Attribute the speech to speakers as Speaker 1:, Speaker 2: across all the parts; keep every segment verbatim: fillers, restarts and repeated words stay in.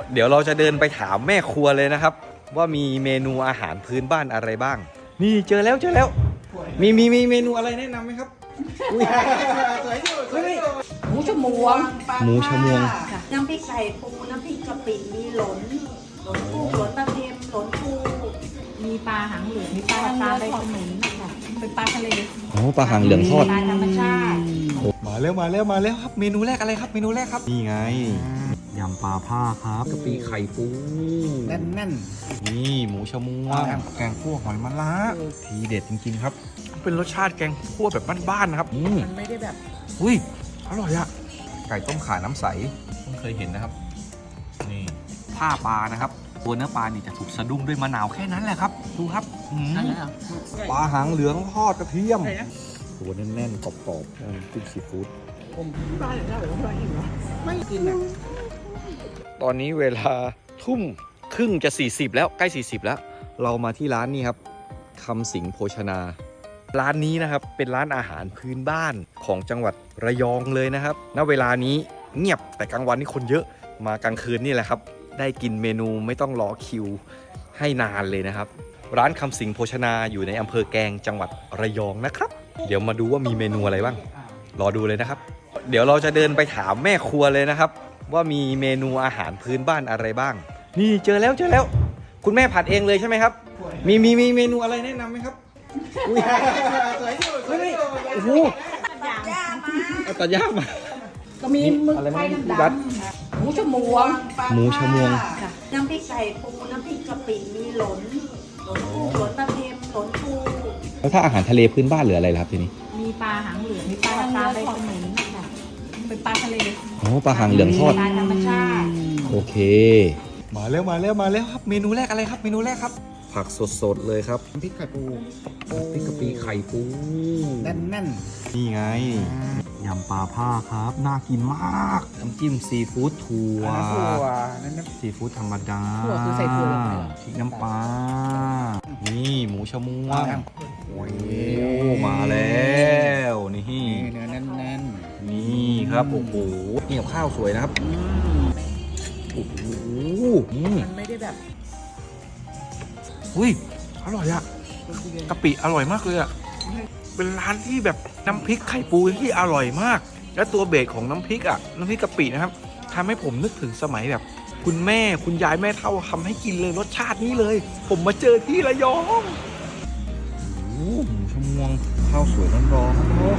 Speaker 1: เดี๋ยวเราจะเดินไปถามแม่ครัวเลยนะครับว่ามีเมนูอาหารพื้นบ้านอะไรบ้างนี่เจอแล้วเจอแล้วมีมีมีเมนูอะไรแนะนำไหมครับอุ้ยเฮ้ย
Speaker 2: หมูชมวง
Speaker 1: หมูชมวง
Speaker 2: น้ำพริกไก่ปูน้ำพริกกะปิมีหลนหลนปูหลนปลาเค็มหลนปูมีปลาหางเหลืองมีปลาตาใบขนุนค่ะเป็นปลาทะเล
Speaker 1: โอ้ปลาหางเหลืองทอด
Speaker 2: ปลาธรรมชาติ
Speaker 1: มาแล้วมาแล้วมาแล้วครับเมนูแรกอะไรครับเมนูแรกครับนี่ไงยำปลาผ้าครับกะปิไข่ปู
Speaker 3: แน่นแน่น
Speaker 1: นี่หมูชมวงแกงคั่วหอยมะระทีเด็ดจริงๆครับเป็นรสชาติแกงคั่วแบบบ้านๆนะครับอืม
Speaker 2: มันไม่ได้แบบ
Speaker 1: อุ้ยอร่อยอะไก่ต้มข่าน้ำใสเพิ่งเคยเห็นนะครับนี่ผ้าปลานะครับตัวเนื้อปลานี่จะถูกสะดุ้งด้วยมะนาวแค่นั้นแหละครับดูครับอืม
Speaker 2: นั่นแหละ
Speaker 1: ปลาหางเหลืองทอดกระเทียมตัวแน่นๆกรอบๆน้ำจิ้มซีฟู้ด
Speaker 2: ปลาอย่างนี้เหรอไม่กินอ่ะ
Speaker 1: ตอนนี้เวลาทุ่มครึ่งจะสี่สิบแล้วใกล้สี่สิบแล้วเรามาที่ร้านนี้ครับคำสิงโภชนาร้านนี้นะครับเป็นร้านอาหารพื้นบ้านของจังหวัดระยองเลยนะครับณเวลานี้เงียบแต่กลางวันนี่คนเยอะมากลางคืนนี่แหละครับได้กินเมนูไม่ต้องรอคิวให้นานเลยนะครับร้านคำสิงโภชนาอยู่ในอำเภอแกลงจังหวัดระยองนะครับเดี๋ยวมาดูว่ามีเมนูอะไรบ้างรอดูเลยนะครับเดี๋ยวเราจะเดินไปถามแม่ครัวเลยนะครับว่ามีเมนูอาหารพื้นบ้านอะไรบ้างนี่เจอแล้วเจอแล้วคุณแม่ผัดเองเลยใช่ไหมครับมีมีมีเมนูอะไรแนะนำไหมครับอุ้ยเฮ้ยโอ้โห
Speaker 2: ย่ามา
Speaker 1: เอาตัดย่ามา
Speaker 2: ก็มีหมึก
Speaker 1: อะไรนะ
Speaker 2: ไฟน้ำ
Speaker 1: รัด
Speaker 2: ดำหมูชมวง
Speaker 1: หมูชมวง
Speaker 2: น้ำพริกไก่ปูน้ำพริกกะปิมีหลนหลนปูหลนปลาเค็มหลนปู
Speaker 1: แล้วถ้าอาหารทะเลพื้นบ้านหรืออะไรล่ะครับทีนี้
Speaker 2: มีปลาหางเหลืองมีปลาตาใบขนุนค่ะเป็นปลาทะเล
Speaker 1: โอ้ปลาหางเหลืองทอด
Speaker 2: ปลาธรรมชาติ
Speaker 1: โอเคมาแล้วมาแล้วมาแล้วครับเมนูแรกอะไรครับเมนูแรกครับผักสดๆเลยครับ
Speaker 3: พริกไข่ปู
Speaker 1: พริกกะปิไข่ปู
Speaker 3: แน่นแน่น
Speaker 1: นี่ไงยำปลาผ้าครับน่ากินมากน้ำจิ้มซีฟู้ดถั่ว
Speaker 3: ถั่วนั่นนะ
Speaker 1: ซีฟู้ดธรรมดา
Speaker 2: ถั่วคือใส่ถั่วลงไปเหรอ
Speaker 1: พริกน้ำปลานี่หมูชะมวงโอ้ยมาแล้วนี่
Speaker 3: นี่เนื้อแน่นแน่น
Speaker 1: นี่ครับโอ้โหนี่กับข้าวสวยนะครับโอ้โหอืม
Speaker 2: มันไม่ได้แบบ
Speaker 1: อุ้ยอร่อยอะกะปิอร่อยมากเลยอะเป็นร้านที่แบบน้ำพริกไข่ปูที่อร่อยมาก และตัวเบสของน้ำพริกอะน้ำพริกกะปินะครับทำให้ผมนึกถึงสมัยแบบ คุณแม่คุณยายแม่เฒ่าทำให้กินเลยรสชาตินี้เลย ผมมาเจอที่ระยองโอ้หมูชะมวงข้าวสวยร้อนร้อน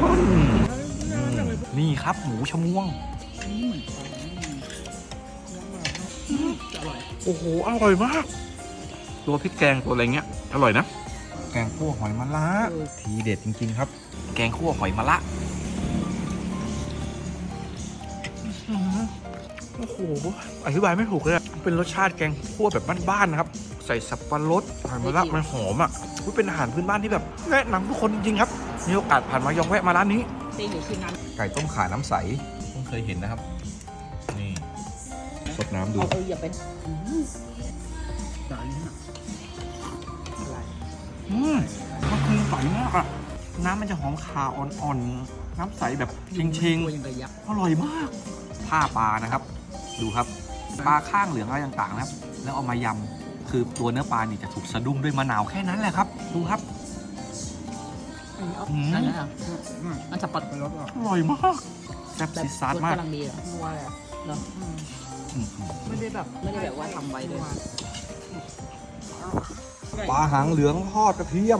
Speaker 1: นี่ครับหมูชะมวงโอ้โหอร่อยมากตัวพริกแกงตัวอะไรเงี้ยอร่อยนะแกงคั่วหอยมะระทีเด็ดจริงๆครับแกงคั่วหอยมะระโอ้โหอธิบายไม่ถูกเลยเป็นรสชาติแกงคั่วแบบบ้านๆนะครับใส่สับปะรดหอยมะระมันหอมอ่ะเป็นอาหารพื้นบ้านที่แบบแนะนำทุกคนจริงๆครับมีโอกาสผ่านมายองแวะมาร้านนี้
Speaker 2: เต้นอยู่ที่น้
Speaker 1: ไก่ต้มข่าน้ำใสเพิ่งเคยเห็นนะครับนี่สดน้ำ
Speaker 2: ำ
Speaker 1: ดู
Speaker 2: เอาไปอย่าเป็น
Speaker 3: จานนี้
Speaker 1: อืมมันคือใสมากอะน้ำมันจะหอมคาอ่อนๆน้ำใสแบบเชง
Speaker 2: ตัวยังระยะ
Speaker 1: ๆอร่อยมากผ้าปลานะครับดูครับปลาข้างเหลืองอะไรต่างๆนะครับแล้วเอามายำคือตัวเนื้อปลานี่จะถูกสะดุ้งด้วยมะนาวแค่นั้นแหละครับดูครับ อืม
Speaker 2: นั่นแหละมันจะปัด
Speaker 3: ไปรสอ่ะ
Speaker 1: อร่อยมากแซ่บซีดซาดมาก
Speaker 2: กำลังดีเหรอนัวเลยเหรอ
Speaker 1: อืม
Speaker 2: ไม่ได้แบบไม่ได้แบบว่าทำไว้เลย
Speaker 1: ปลาหางเหลืองทอดกระเทียม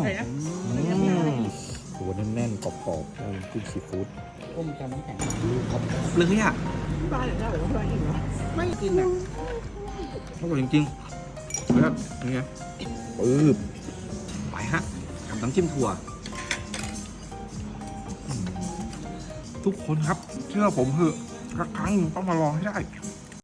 Speaker 1: ตัวแน่นๆกรอบๆน้ำจิ้มซีฟู้ด
Speaker 2: ก้มจำไม่แข็ง
Speaker 1: กรอบเลยอ่ะ
Speaker 2: ปลาอย่างนี้เหรอไม่กินอ่ะ
Speaker 1: อร่อยจริงๆแล้วนี่ไงปื๊บไปฮะกับน้ำจิ้มถั่วทุกคนครับเชื่อผมเถอะสักครั้งหนึ่งต้องมาลองให้ได้